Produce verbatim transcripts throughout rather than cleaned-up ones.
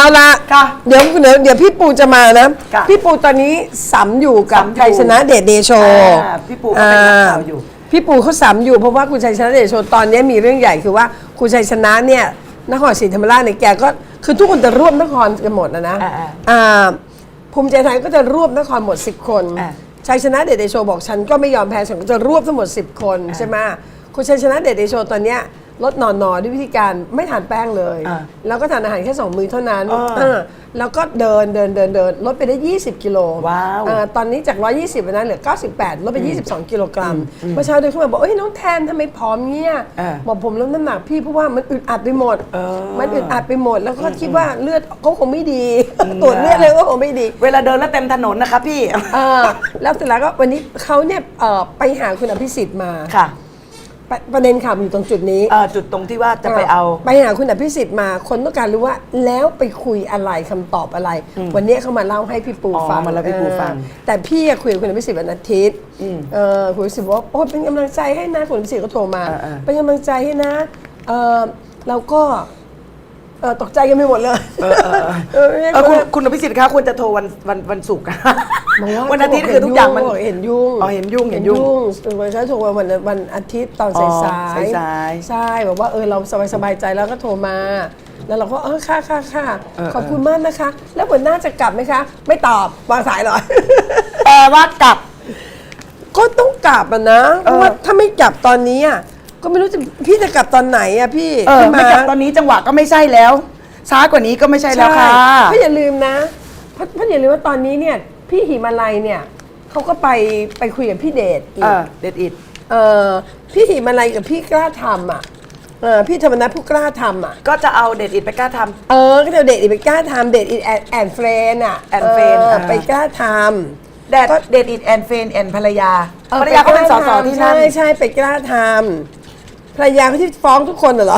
ละเดี๋ยวเดี๋ยวเดี๋ยวพี่ปูจะมานะพี่ปูตอนนี้สัมอยู่กับชัยชนะเดชเดโชพี่ปูก็เป็นนักข่าวอยู่พี่ปูเขาสัมอยู่เพราะว่าคุณชัยชนะเดชโชตอนนี้มีเรื่องใหญ่คือว่าคุณชัยชนะเนี่ยนครศรีธรรมราชเนี่ยแกก็คือทุกคนจะร่วมนครกันหมดนะนะภูมิใจไทยก็จะรวบนครหมดสิบคนชัยชนะเดชเดโชบอกฉันก็ไม่ยอมแพ้ฉันก็จะรวบทั้งหมดสิบคนใช่ไหมคุณชัยชนะเดชเดโชตอนเนี้ยลดนอนนอด้วยวิธีการไม่ทานแป้งเลยแล้วก็ทานอาหารแค่สองมื้อเท่านั้นแล้วก็เดินเดินเดินเดินลดไปได้ยี่สิบกิโลตอนนี้จากหนึ่งร้อยยี่สิบนะเหลือเก้าสิบแปดลดไปยี่สิบสองกิโลกรัมเมื่อเช้าเดินเข้ามาบอกเอ้ยน้องแทนทำไมผอมเงี้ยบอกผมลดน้ำหนักพี่เพราะว่ามันอึดอัดไปหมดมันอึดอัดไปหมดแล้วก็คิดว่าเลือดเขาคงไม่ดีตรวจเลือดเลยก็คงไม่ดีเวลาเดินแล้วเต็มถนนนะคะพี่แล้วเสร็จแล้วก็วันนี้เขาเนี่ยไปหาคุณอภิสิทธิ์มาประเด็นข่าวอยู่ตรงจุดนี้จุดตรงที่ว่าจะไปเอาไปหาคุณอภิสิทธิ์มาคนต้องการรู้ว่าแล้วไปคุยอะไรคำตอบอะไรวันนี้เขามาเล่าให้พี่ปูฟังมาแล้วพี่ปูฟังแต่พี่คุยกับคุณอภิสิทธิ์วันอาทิตย์คุณอภิสิทธิ์บอกว่าโอ้เป็นกำลังใจให้นะคุณอภิสิทธิ์ก็โทรมาเป็นกำลังใจให้นะเราก็ตกใจกันไปหมดเลยคุณอภิสิทธิ์คะควรจะโทรวันวันวันศุกร์วันอาทิตย์คือทุกอย่างมันเห็นยุ่งอ๋อเห็นยุ่งเห็นยุ่งวันฉันโทรวันวันอาทิตย์ตอนสายๆใช่บอกว่าเออเราสบายสบายใจแล้วก็โทรมาแล้วเราก็เออค่ะค่ะค่ะขอบคุณมากนะคะแล้วหัวหน้าจะกลับไหมคะไม่ตอบวางสายเลยแปลว่ากลับก็ต้องกลับอ่ะนะเพราะว่าถ้าไม่กลับตอนนี้อ่ะก็ไม่รู้จะพี่จะกลับตอนไหนอ่ะพี่ไม่กลับตอนนี้จังหวะก็ไม่ใช่แล้วช้ากว่านี้ก็ไม่ใช่แล้วค่ะพี่อย่าลืมนะเพราะอย่าลืมว่าตอนนี้เนี่ยพี่หิมาลัยเนี่ยเขาก็ไปไปคุยกับพี่เดชอีกเดชอิดพี่หิมาลัยกับพี่กล้าทำอ่ะพี่ธรรมนัสผู้กล้าทำอ่ะก็จะเอาเดชอิดไปกล้าทำเออก็จะเดชอิดไปกล้าทำเดชอิดแอนเฟรนอ่ะแอนเฟรนไปกล้าทำเดชเดชอิดแอนเฟรนแอนภรรยาภรรยาก็เป็นสสที่นั่นใช่ใช่ไปกล้าทำภรรยาเขาที่ฟ้องทุกคนเหรอ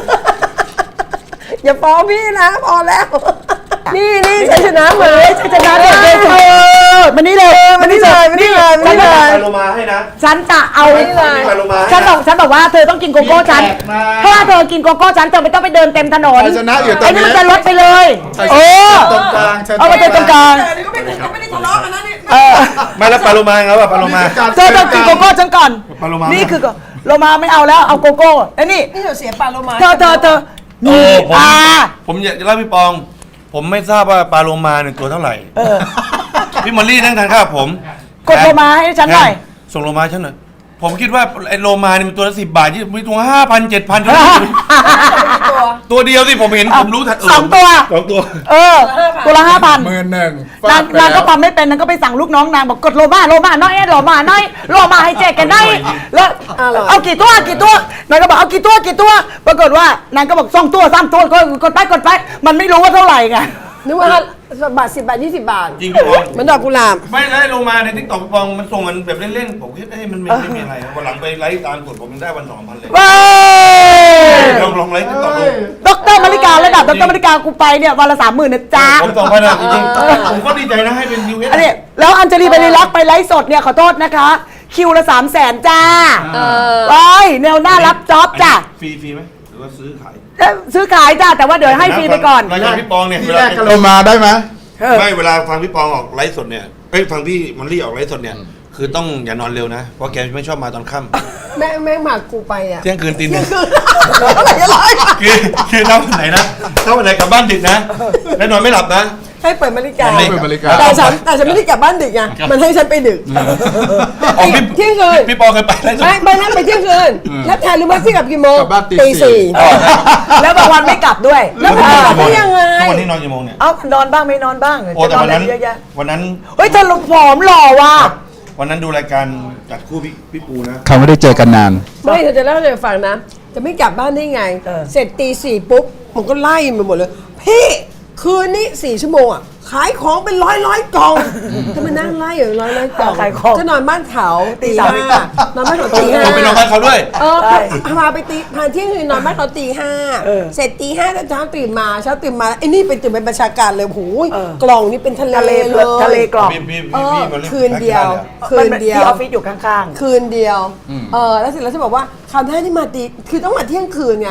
อย่าฟ้องพี่นะพอแล้วนี่นี่ชัยชนะมาชัยชนะเด็กเด็กเออมันนี่เลยมันนี่เลยมันนี่เลยมันนี่เลยไปโลมาให้นะฉันจะเอาฉันบอกฉันบอกว่าเธอต้องกินโกโก้ฉันเพราะว่าเธอกินโกโก้ฉันเธอไม่ต้องไปเดินเต็มถนนชัยชนะอยู่ตรงนี้ไอ้นี่มันจะลดไปเลยโอ้ตรงกลางเอาไปตรงกลางไม่ได้ทะเลาะกันนะนี่ไม่แล้วปลาโลมาครับปลาโลมาเธอต้องกินโกโก้ฉันก่อนนี่คือโลมาไม่เอาแล้วเอาโกโก้ไอ้นี่นี่เธอเสียปลาโลมาเธอเธอเธอนี่อ่าผมอยากจะเล่าพี่ปองผมไม่ทราบว่าปลาโลมาเนี่ยตัวเท่าไหร่พี่มอลลี่นั่งทานข้าวผมกดโลมาให้ฉันหน่อยส่งโลมาฉันหน่อยผมคิดว่าไอ้โลมาเนี่ยมันตัวละสิบบาทมีตัวห้าพันเจ็ดพันตัวเดียวสิผมเห็นผมรู้ทันสองตัวสองตัวเออตัวละห้าพันหมื่นหนึ่งนางนางก็ทำไม่เป็นนางก็ไปสั่งลูกน้องนางบอกกดโลมาโลมาน้อยโลมาน้อยโลมาให้แจกกันได้แล้วเอากี่ตัวกี่ตัวนางก็บอกเอากี่ตัวกี่ตัวปรากฏว่านางก็บอกสองตัวสามตัวกดไปกดไปมันไม่รู้ว่าเท่าไหร่ไงนึกว่าบาทสิบบาทยี่สิบบาทจริงพี่ปองเหมือนดอกกุหลาบไม่ไล่ลงมาในทิกตอกพี่ปองมันส่งกันแบบเล่นๆผมคิดเอ้ยมันไม่มีอะไรวันหลังไปไลฟ์ตามกดผมได้วันสองพันเลยลองลองไลฟ์ทิกตอกดูดรมาริการะดับดรมาริกากูไปเนี่ยวันละสามหมื่นนะจ๊ะผมสองพันนะจริงผมก็ดีใจนะให้เป็นยูเอสอันนี้แล้วอัญชลีไปรีลักไปไลฟ์สดเนี่ยขอโทษนะคะคิวละสามแสนจ้าไอ้แนวหน้ารับจ็อบจ้ะฟรีฟรีไหมหรือว่าซื้อขายซื้อขายจ้าแต่ว่าเดี๋ยวให้ฟรีไปก่อนรายการพี่ปองเนี่ยที่แรกก็โลมาได้ไหมไม่เวลาฟังพี่ปองออกไลฟ์สดเนี่ยไปฟังพี่มอลลี่ออกไลฟ์สดเนี่ยคือต้องอย่านอนเร็วนะเพราะแกไม่ชอบมาตอนค่ำแม่แม่หมากกูไปอ่ะเที่ยงคืนตีหนึ่งคือคือถ้าวันไหนนะถ้าวันไหนกลับบ้านดึกนะแล้วนอนไม่หลับนะให้เปิดนาฬิกาแต่ฉันแต่ฉันไม่ได้กลับบ้านดึกไงมันให้ฉันไปดึกเที่ยงคืนพี่ปอเคยไปแล้วไม่ไปนั่งไปเที่ยงคืนแล้วแทนรู้ไหมพี่กลับกี่โมงตีสี่แล้วบางวันไม่กลับด้วยแล้วพี่กลับได้ยังไงทุกวันนี้นอนกี่โมงเนี่ยเอ้านอนบ้างไม่นอนบ้างโอ้แต่วันนั้นวันนั้นเฮ้ยเธอผอมหล่อว่ะวันนั้นดูรายการจัดคู่พี่พี่ปูนะเขาไม่ได้เจอกันนานไม่เธอจะเล่าให้ฟังนะจะไม่กลับบ้านได้ไงเสร็จตีสี่ปุ๊บผมก็ไล่ไปหมดเลยพี่คืนนี้สี่ชั่วโมงอ่ะขายของเป็นร้อยร้อยกล่องถ้ามานั่งไล่อยู่ร้อยร้อยกล่องจะนอนบ้านเขาตีห้านอนบ้านเขาตีห้าไปนอนบ้านเขาด้วยเออพาไปตีพาเที่ยงคืนนอนบ้านเขาตีห้าเสร็จตีห้าเช้าตื่นมาเช้าตื่นมาไอ้นี่เป็นตื่นเป็นบัญชาการเลยโอ้ยกล่องนี่เป็นทะเลเลยทะเลกล่องคืนเดียวคืนเดียวที่ออฟฟิศอยู่ข้างๆคืนเดียวเออแล้วเสร็จแล้วฉันบอกว่าคราวหน้าที่มาตีคือต้องมาเที่ยงคืนไง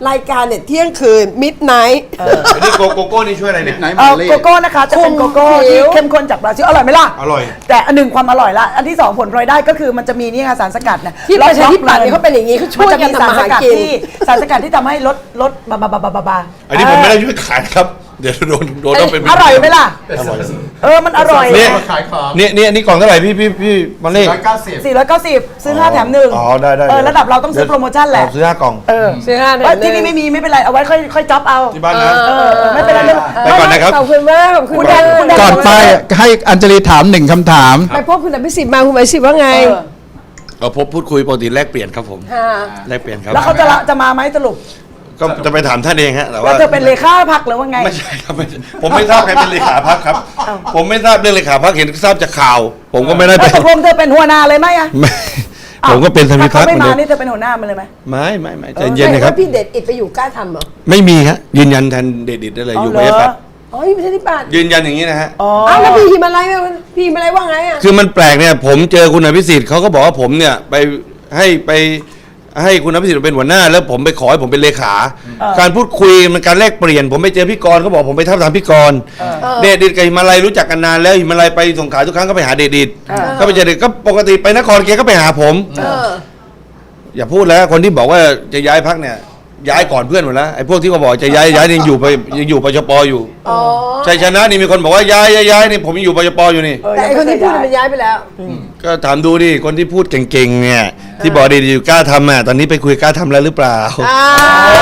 รายการเนี่ยเที่ยงคืนมิดไนท์อันนี้โกโกโก้นี่ช่วยอะไรเนี่ยไหนเอมาอเล่โกโก้นะคะจะเป็นโกโก้คุมผิที่วเข้มข้นจากบราซิลอร่อยไหมล่ะอร่อยแต่อันหนึ่งความอร่อยละอันที่สองผลพลอยได้ก็คือมันจะมีนี่ค่ะสารสกัดนะที่ประชาธิปัตย์เนี่ยเขาเป็นอย่างนี้เขาช่วยกันมัจะมีสารทำมาสหากัดกินที่สารสกัดที่ทำให้ลดลดบาบาบาบาบาบาอันนี้ผมไม่ได้ช่วยขายครับ เดี๋ยวโดนโดนต้องเป็นอร่อยไหมล่ะอร่อยเออมันอร่อยเนี่ยขายของเนี่ยเนี่ยนี่กล่องเท่าไหร่พี่พี่พี่มาเล่ร้อยเก้าสิบสี่ร้อยเก้าสิบซื้อห้าแถมหนึ่งอ๋อได้ได้เออระดับเราต้องซื้อโปรโมชั่นแหละซื้อห้ากล่องเออซื้อห้าแถมเอ้ยหนึ่งที่นี่ไม่มีไม่เป็นไรเอาไว้ค่อยค่อยจ็อบเอาที่บ้านนะเออไม่เป็นไรไม่ไปก่อนนะครับขอบคุณมากขอบคุณคุณแดมากนคุณแดก่อนไปให้อัญชลีถามหนึ่งคำถามไปพบคุณอภิสิทธิ์มาคุณอภิสิทธิ์ว่าไงเออเอาพบพูดคุยปกติแลกเปลี่ยนครับผมค่ะแลกเปลี่ยนครับแล้วเขาจะละจะมาไหมสรุปก็จะไปถามท่านเองฮะแต่แล้ว่าวเธอเป็นเลขาพักหรือว่าไงไม่ใช่ครับไม่ใช่ผมไม่ทราบใครเป็นเลขาพักครับ ผมไม่ทราบเรื่องเลขาพักเห็นทราบจากข่าว ผมก็ไม่ได้แล้ไปวตกลงเธอเป็นหัวหน้าเลยไหมอะไม่ผมก็เป็นสมิถ้าพัเขากเหไม่มือนมาเดิมนี่เธอเป็นหัวหน้ามันเลยไหมไม่ไม่ไม่ใจเย็นนะครับว่าพี่เด็ดอิดไปอยู่กล้าทำเหรอไม่มีฮะยืนยันแทนเดดิตได้เลยอยู่เหปรระอชาธิปัตย์อ๋ออยู่ประชาธิปัตย์ยืนยันอย่างนี้นะฮะอ๋ออ้าวแล้วพี่หิมาลัยพี่หิมาลัยว่าไงอ่ะคือมันแปลกเนี่ยผมเจอคุณอภิสิทธิ์เขาก็บอกว่าผมเนี่ยไปให้ไปให้คุณอภิสิทธิ์เป็นหัวหน้า แล้วผมไปขอให้ผมเป็นเลขา การพูดคุยมันการแลกเปลี่ยน ผมไปเจอพี่กรณ์เขาบอกผมไปทับทามพี่กรณ์เดชดิตกับหิมาลัยรู้จักกันนานแล้วหิมาลัยไปส่งขายทุกครั้งก็ไปหาเดชดิตก็ไปเจอเดชก็ปกติไปนครแกก็ไปหาผมเอออย่าพูดแล้วคนที่บอกว่าจะย้ายพักเนี่ยย้ายก่อนเพื่อนหมดแล้วไอ้พวกที่เขาบอกจะย้ายย้ายยังอยู่ไปยังอยู่ปชปอยู่อ๋อชัยชนะนี่มีคนบอกว่าย้ายย้ายย้ายนี่ผมยังอยู่ปชปอยู่นี่เออแต่ไอคนที่พูดยังมันไม่เคยย้ายไปแล้วก็ถามดูดิคนที่พูดเก่งๆเนี่ยที่บอกดีๆอยู่กล้าทำอ่ะตอนนี้ไปคุยกล้าทำแล้วหรือเปล่าอ่า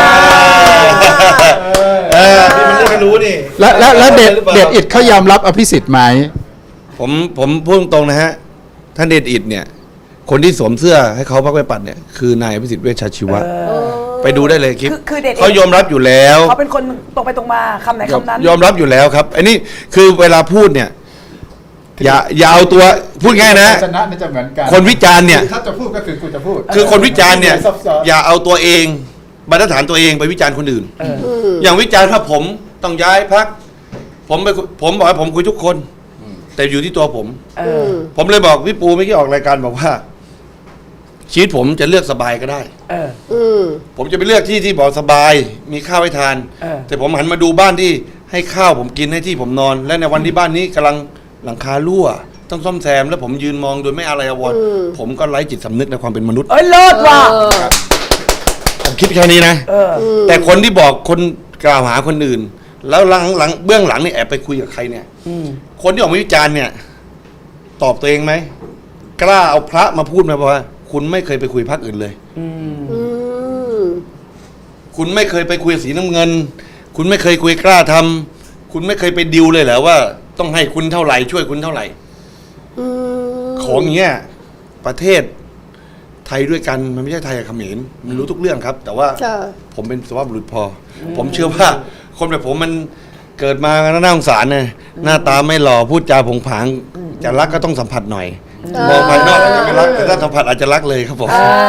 เออที่มันเรื่องไม่รู้นี่แล้วแล้วแล้วเด็ดเด็ดอิดเขายอมรับอภิสิทธิ์ไหมผมผมพูดตรงๆนะฮะท่านเดชอิดเนี่ยคนที่สวมเสื้อให้เขาพักไปปัดเนี่ยคือนายอภิสิทธิ์เวชชาชีวะไปดูได้เลยคลิปคือคือเด็ดเขายอมรับอยู่แล้วเขาเป็นคนตรงไปตรงมาคำไหนคำนั้นยอมรับอยู่แล้วครับไอ้นี่คือเวลาพูดเนี่ยอย่าอย่าเอาตัวพูดง่ายนะชนะนี่จะเหมือนกันคนวิจารณ์เนี่ยถ้าจะพูดก็คือกูจะพูดคือคนวิจารณ์เนี่ยซับซ้อนอย่าเอาตัวเองบรรทัดฐานตัวเองไปวิจารณ์คนอื่น อย่างวิจารณ์ถ้าผมต้องย้ายพักผมไปคุยผมบอกว่าผมคุยทุกคน แต่อยู่ที่ตัวผมเออผมเลยบอกพี่ปูไม่อกี้ออกรายการบอกว่า ชีวิตผมจะเลือกสบายก็ได้เอออืมผมจะไปเลือกที่ที่บอกสบาย มีข้าวให้ทานเออแต่ผมหันมาดูบ้านที่ให้ข้าวผมกินให้ที่ผมนอน และในวันที่บ้านนี้กำลังหลังคารั่ว ต้องซ่อมแซมแล้วผมยืนมองโดยไม่อะไรอาวรณ์ผมก็ไร้จิตสำนึกในความเป็นมนุษย์เอ้ยเลิศว่ะผมคิดแค่นี้นะเออแต่คนที่บอกคนกล่าวหาคนอื่น แล้วหลังหลังเบื้องหลังนี่แอบไปคุยกับใครเนี่ยอืมคนที่ออกมาวิจารณ์เนี่ย ตอบตัวเองไหมกล้าเอาพระมาพูดไหมบอกว่า คุณไม่เคยไปคุยพรรคอื่นเลยอืมอืมคุณไม่เคยไปคุยกับสีน้ำเงิน คุณไม่เคยคุยกล้าทำคุณไม่เคยไปดิวเลยเหรอว่า ต้องให้คุณเท่าไหร่ช่วยคุณเท่าไหร่อืมของอย่างเงี้ยประเทศไทยด้วยกันมันไม่ใช่ไทยกับเขมรมันรู้ทุกเรื่องครับ แต่ว่าค่ะผมเป็นสุภาพบุรุษพออผมเชื่อว่า คนแบบผมมันเกิดมาน่าสงสารนะหน้าตาไม่หล่อพูดจาผงผางจะรักก็ต้องสัมผัสหน่อยมองภายนอกอาจจะไม่รักแต่ถ้าสัมผัสอาจจะรักเลยครับผม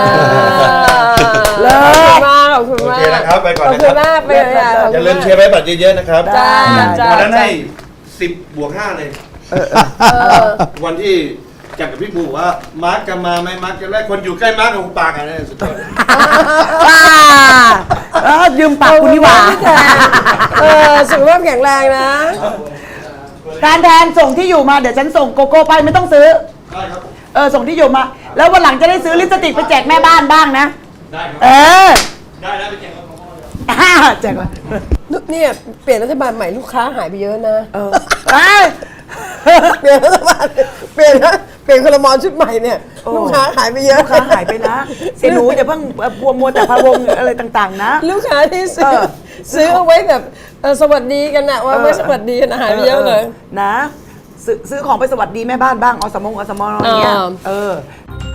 เลิขอบคุณศมากขอบคุณโอมากเคนะครับไปก่อนขอบนะคุคณรับมากไปเลยอ่ะขอบอย่าคุณลืมเชียร์ไปบัตรเยอะๆนะครับจ้าจ้าวันนั้นให้สิบบวกห้าเลยวันที่จัดกับพี่บูว่ามาร์กจะมาไหมมาร์กจะได้คนอยู่ใกล้มาร์กของปากอะไรสุดยอดว้าเออยืมปากคุณนี่หว่าเออสุขภาพแข็งแรงนะการแทนส่งที่อยู่มาเดี๋ยวฉันส่งโกโก้ไปไม่ต้องซื้อได้ครับผมเออส่งที่อยู่มา แล้ววันหลังจะได้ซื้อลิปสติกไปแจกแม่บ้านบ้างนะได้ครับเออได้แล้วไปแจกกับพ่ออ่าแจกมาเนี่ยเปลี่ยนรัฐบาลใหม่ลูกค้าหายไปเยอะนะเออเอ้ยเปลี่ยนรัฐบาลเปลี่ยนนะเปลี่ยนคลมชุดใหม่เนี่ยโอ้ลูกค้าหายไปเยอะลูกค้าหายไปนะเสียหนูอย่าเพิ่งบัวมัวแต่พะวงอะไรต่างๆ นะลูกค้าที่ซื้อเออซื้อเอาไว้แบบเออสวัสดีกันนะว่าไม่สวัสดีกันนะหายไปเยอะเลยนะ ซื้อซื้อของไปสวัสดีแม่บ้านบ้างอสมงอสมอย่างเงี้ยอ่าเออ